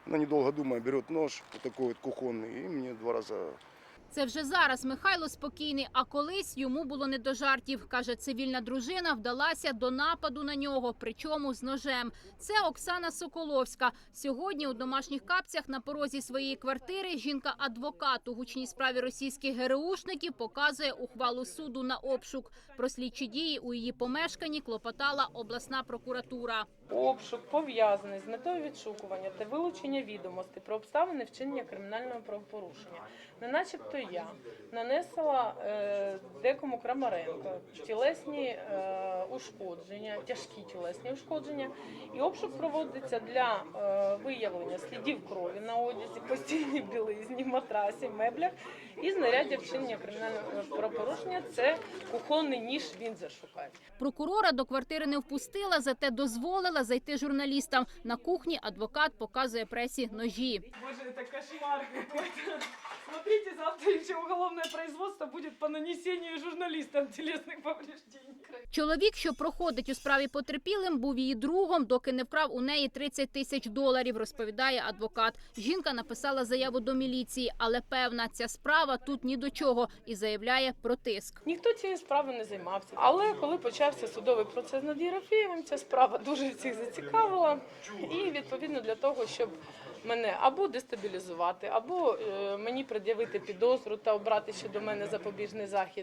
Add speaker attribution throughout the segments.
Speaker 1: Она, недолго думая, берет нож, вот такой вот кухонный, и мне 2 раза.
Speaker 2: Це вже зараз Михайло спокійний, а колись йому було не до жартів. Каже, цивільна дружина вдалася до нападу на нього, причому з ножем. Це Оксана Соколовська. Сьогодні у домашніх капцях на порозі своєї квартири жінка-адвокат у гучній справі російських ГРУшників показує ухвалу суду на обшук. Про слідчі дії у її помешканні клопотала обласна прокуратура.
Speaker 3: Обшук пов'язаний з метою відшукування та вилучення відомостей про обставини вчинення кримінального правопорушення. Не начебто я нанесла декому Крамаренко тілесні ушкодження, тяжкі тілесні ушкодження. І обшук проводиться для виявлення слідів крові на одязі, постільній білизні, матрасі, меблях і знаряддя вчинення кримінального правопорушення – це кухонний ніж, він зашукає.
Speaker 2: Прокурора до квартири не впустила, зате дозволила зайти журналістам. На кухні адвокат показує пресі ножі.
Speaker 3: Боже, это кошмар какой-то. Смотрите, завтра еще уголовное производство будет по нанесению журналистам телесных повреждений.
Speaker 2: Чоловік, що проходить у справі потерпілим, був її другом, доки не вкрав у неї $30 000, розповідає адвокат. Жінка написала заяву до міліції, але певна, ця справа тут ні до чого і заявляє про тиск.
Speaker 3: Ніхто цією справою не займався. Але коли почався судовий процес над Єрофєєвим, ця справа дуже всіх зацікавила. І відповідно для того, щоб мене або дестабілізувати, або мені пред'явити підозру та обрати щодо мене запобіжний захід,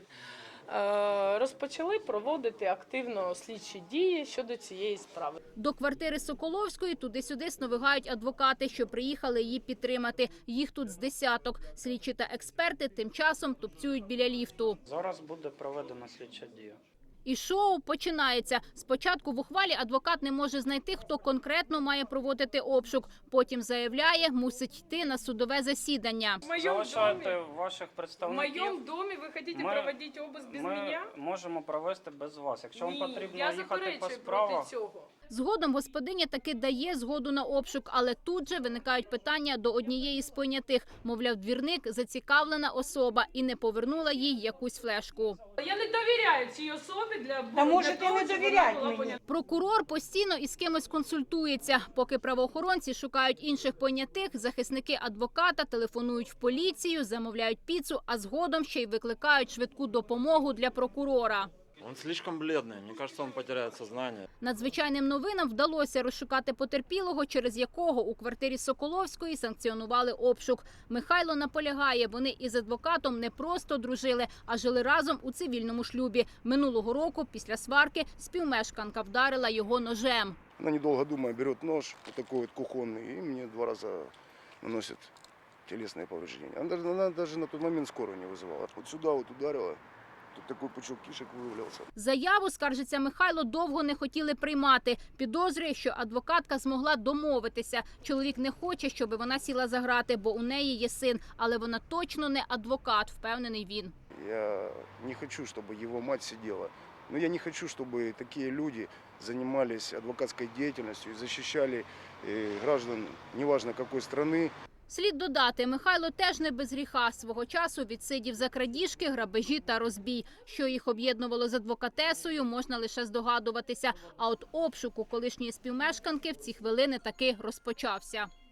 Speaker 3: розпочали проводити активно слідчі дії щодо цієї справи.
Speaker 2: До квартири Соколовської туди-сюди сновигають адвокати, що приїхали її підтримати. Їх тут з десяток. Слідчі та експерти тим часом тупцюють біля ліфту.
Speaker 4: Зараз буде проведена слідча дія.
Speaker 2: І шоу починається. Спочатку в ухвалі адвокат не може знайти, хто конкретно має проводити обшук. Потім заявляє, мусить йти на судове засідання.
Speaker 4: Залишайте ваших
Speaker 3: В
Speaker 4: представників.
Speaker 3: моєму домі ви хочете проводити обыск без мене?
Speaker 4: Ми можемо провести без вас. Якщо вам потрібно
Speaker 3: я
Speaker 4: їхати по
Speaker 3: заперечую
Speaker 4: справах,
Speaker 3: проти цього.
Speaker 2: Згодом господиня таки дає згоду на обшук, але тут же виникають питання до однієї з понятих. Мовляв, двірник – зацікавлена особа і не повернула їй якусь флешку.
Speaker 3: Я не довіряю цій особі для
Speaker 5: Та може ти не довіряти мені?
Speaker 2: Прокурор постійно із кимось консультується. Поки правоохоронці шукають інших понятих, захисники адвоката телефонують в поліцію, замовляють піцу, а згодом ще й викликають швидку допомогу для прокурора.
Speaker 6: Он слишком бледный, мне кажется, он потеряет сознание.
Speaker 2: Надзвичайним новинам вдалося розшукати потерпілого, через якого у квартирі Соколовської санкціонували обшук. Михайло наполягає, вони із адвокатом не просто дружили, а жили разом у цивільному шлюбі. Минулого року після сварки співмешканка вдарила його ножем.
Speaker 1: Она, недолго думая, берет нож, вот такой вот кухонный, и мне 2 раза наносит телесные повреждения. Она даже на тот момент скорую не вызывала. Вот сюда вот ударила, тут такой пучок кишек вывалился.
Speaker 2: Заяву, скаржиться Михайло, довго не хотіли приймати. Підозрює, що адвокатка змогла домовитися. Чоловік не хоче, щоб вона сіла за грати, бо у неї є син. Але вона точно не адвокат, впевнений він.
Speaker 1: Я не хочу, чтобы его мать сидела. Но я не хочу, чтобы такие люди занимались адвокатской деятельностью и защищали граждан, неважно какой страны.
Speaker 2: Слід додати, Михайло теж не без гріха. Свого часу відсидів за крадіжки, грабежі та розбій. Що їх об'єднувало з адвокатесою, можна лише здогадуватися. А от обшук у колишньої співмешканки в ці хвилини таки розпочався.